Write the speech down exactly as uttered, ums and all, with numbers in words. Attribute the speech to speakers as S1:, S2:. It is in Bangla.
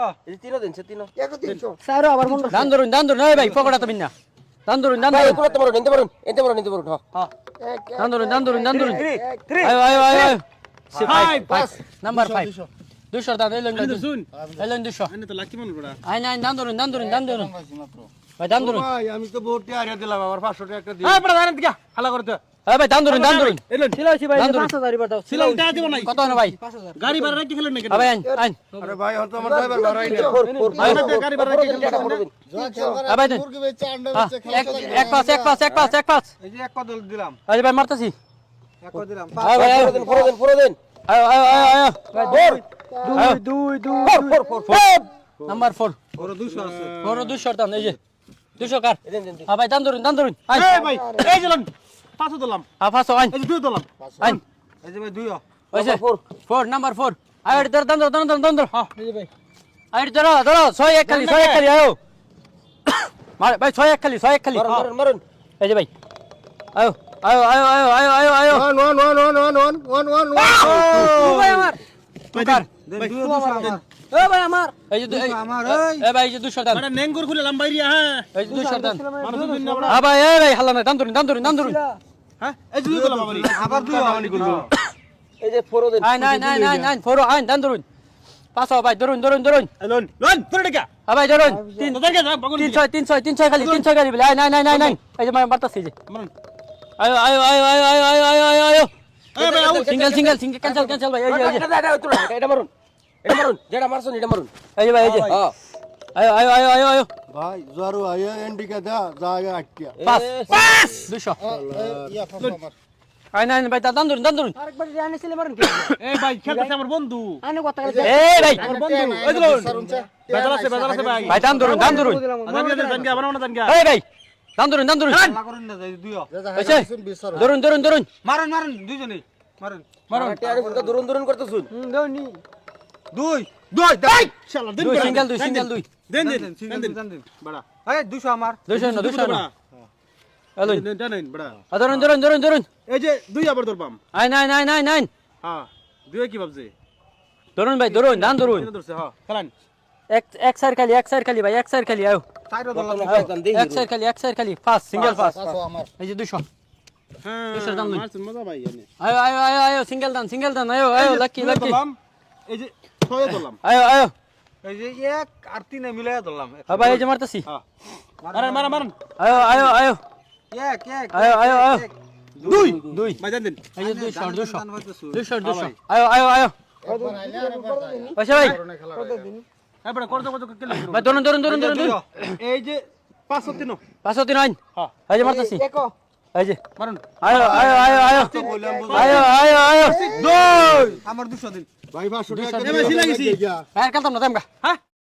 S1: এই তিনও দিন সে তিনও
S2: এক তিনশো
S3: স্যার আবার মন দান ধরুন দান ধরুন এই ভাই পকড়া তো বিনা দান ধরুন দান
S1: ভাই
S3: ধরুন
S1: এগুলো তো মারুন এনতে মারুন এনতে মারুন এনতে মারুন হ্যাঁ
S2: এক
S3: দান ধরুন দান ধরুন দান ধরুন
S1: থ্রি
S3: আয় আয় আয় আয়
S4: Five.
S3: পাঁচ নাম্বার পাঁচ দুশো দান এলেন
S4: শুন
S3: এলেন দুশো
S4: আনে তো লাকি মনে পড়া
S3: আয় নাই দান ধরুন দান ধরুন দান ধরুন ভাই দান ধরুন
S4: ভাই আমি তো বহুত টাকা দিলাম আমার পাঁচশো টাকা একটা দিই হ্যাঁ পড়া জানেন কি হালা করতে
S3: এই ভাই দান ধরুন দান ধরুন
S4: এলেন
S3: ছিলাইছি ভাই পাঁচ হাজার এবার দাও
S4: সিলাম টাকা দিব নাই
S3: কত না ভাই
S4: গাড়ি ভাড়া রাখি খেলেন নাকি
S3: ভাই আইন আইন
S4: আরে ভাই হয়তো আমার ড্রাইভার ভাড়াই না
S1: ফোর ফোর
S4: গাড়ি ভাড়া রাখি খেলেন
S3: এই ভাই দেন এক এক পাঁচ এক পাঁচ এক পাঁচ এক পাঁচ
S4: এই যে এক কদল দিলাম
S3: এই ভাই মারতাছি
S4: এক কদল দিলাম
S3: আয় ভাই
S1: ফোর দিন ফোর দিন ফোর দিন
S3: আয় আয় আয় আয়
S1: ফোর
S3: দুই দুই
S1: four four four four
S3: number চার
S4: ওর দুশো আছে
S3: বড় দুশো দাম এই যে দুশো কার
S1: দেন দেন
S3: হ্যাঁ ভাই দান ধরুন দান ধরুন আইন
S4: এই ভাই এই যে লন পাঁচশো দিলাম
S3: হ্যাঁ পাঁচশো আইন
S4: এই যে দুই দিলাম
S3: আইন
S4: এই যে ভাই দুইও
S3: ওই যে
S1: ফোর
S3: ফোর নাম্বার ফোর আয় ধর দান ধর দান ধর দান ধর হ্যাঁ এই যে ভাই আয় ধরো ধরো ছয় এক খালি ছয় এক খালি আয়ো মার ভাই ছয় এক খালি ছয় এক খালি
S1: মারুন মারুন মারুন
S3: এই যে ভাই আয়ো আয়ো আয়ো আয়ো আয়ো আয়ো আয়ো
S4: one one one one one one one one
S3: ও ভাই আমার কার
S4: ভাই দুইও দুশো দেন
S3: ও ভাই আমার এই যে
S4: আমার
S3: এই ভাই এই যে দুশো দান
S4: মানে নেঙ্গুর খুলে লাম্বাইরিয়া হ্যাঁ
S3: এই যে দুশো দান
S4: মানুষ দিন না বড়
S3: হ্যাঁ ভাই এই ভাই হাল্লা না দান ধরুন দান ধরুন দান ধরুন
S4: হ্যাঁ এই যে দুই দিলাম আমারই আবার দুই আমারই করব
S1: এই যে ফোর দিন
S3: আয় নাই নাই নাই নাই ফোর আইন দান ধরুন পাঁচশো ভাই ধরুন ধরুন ধরুন
S4: লোন লোন তোর টাকা
S3: হ্যাঁ ভাই ধরুন তিন
S4: তোর টাকা যা বগুন
S3: তিন ছয় তিন ছয় তিন ছয় খালি তিন ছয় খালি বলে আয় নাই নাই নাই নাই এই যে মারতাছি যে
S4: মারুন
S3: আয়ো আয়ো আয়ো আয়ো আয়ো আয়ো আয়ো আয়ো আয়ো
S4: এই ভাই আউ
S3: single single single cancel cancel ভাই এই যে এই যে
S1: এটা এটা তুলো এটা মারুন এটা মারুন যেটা মারছুন এটা মারুন
S3: এই যে ভাই এই যে
S1: হ্যাঁ
S3: আয়ো আয়ো আয়ো আয়ো আয়ো
S5: ভাই জরু আয়া এন্ডিকা দা জায়গা আটকিয়া
S3: পাঁচ পাঁচ দুশো
S5: ইয়া ফাফা মার
S3: আয় নাই ভাই দান ধরুন দান ধরুন
S2: আরেকবার জানে ছিলে মারুন
S4: এই ভাই খেলতেছে আমার বন্ধু
S2: আনে কথা
S3: এই ভাই
S4: আমার বন্ধু এই লোন বেজাল আছে বেজাল আছে ভাই
S3: ভাই দান ধরুন দান ধরুন
S4: আদান গেছে জান গা বানাও না জান গা
S3: এই ভাই দান ধরুন দান ধরুন
S4: না করুন না যাই দুইও
S3: হইছে ধরুন ধরুন ধরুন
S4: মারুন মারুন দুইজনে মারুন মারুন
S1: আরে উল্টা দুরুন দুরুন করতেছুন
S2: হুম দাওনি
S4: দুই দুই দেই শালা দিন
S3: দুই সিঙ্গেল দুই সিঙ্গেল দুই
S4: দেন দেন সিঙ্গেল দেন দেন বড়া এই দুইশো আমার
S3: দুইশো না দুইশো না হ্যালো
S4: দেন দেন বড়া
S3: ধরুন ধরুন ধরুন ধরুন
S4: এই যে দুই আবার ধরবাম
S3: আয় নাই নাই নাই নাই
S4: হ্যাঁ দুই কি ভাবছে
S3: ধরুন ভাই ধরুন দান ধরুন
S4: এটা ধরছে হ্যাঁ খেলান
S3: এক এক সাইড খালি এক সাইড খালি ভাই এক সাইড খালি আয়ো
S4: চাইরো ধরলাম
S3: এক সাইড খালি এক সাইড খালি পাঁচ সিঙ্গেল পাঁচ
S5: আমার
S3: এই যে দুশো
S4: হ্যাঁ
S3: দুইশো দাম লই।
S4: মারছেন মজা ভাই এনে
S3: আয়ো আয়ো আয়ো আয়ো সিঙ্গেল দান সিঙ্গেল দান আয়ো আয়ো লাকি লাকি
S4: ধরলাম এই যে ছয় ধরলাম
S3: আয়ো আয়ো
S4: এই যে এক আর তিনে মিলাই ধরলাম
S3: হ্যাঁ ভাই এই যে মারতাছি
S4: হ্যাঁ মারেন মারেন মারেন
S3: আয়ো আয়ো আয়ো
S4: এক এক
S3: আয়ো আয়ো আয়ো
S4: দুই
S3: দুই
S4: ভাই দেন দেন
S3: এই যে দুইশো দুইশো দুইশো
S4: হ্যাঁ
S3: দুইশো
S4: ভাই।
S3: আয়ো আয়ো আয়ো
S5: একবার আইলে আর একবার যাই
S3: পয়সা ভাই
S4: হ্যাঁ বড় করতে করতে কেলে
S3: ভাই ধরুন ধরুন ধরুন ধরুন ধরুন
S4: এই যে পাঁচশো তিন
S3: পাঁচশো তিন আইন
S4: হ্যাঁ
S3: এই যে মারতাছি
S2: এক
S3: এই যে
S4: মারুন
S3: আয়ো আয়ো আয়ো আয়ো
S4: বললাম
S3: আয়ো আয়ো আয়ো
S4: দুই আমার দুশো দিন
S5: ভাই পাঁচশো টাকা
S4: এবার সিলাই গেছি
S3: ভাই কালতাম না দাম গা
S4: হ্যাঁ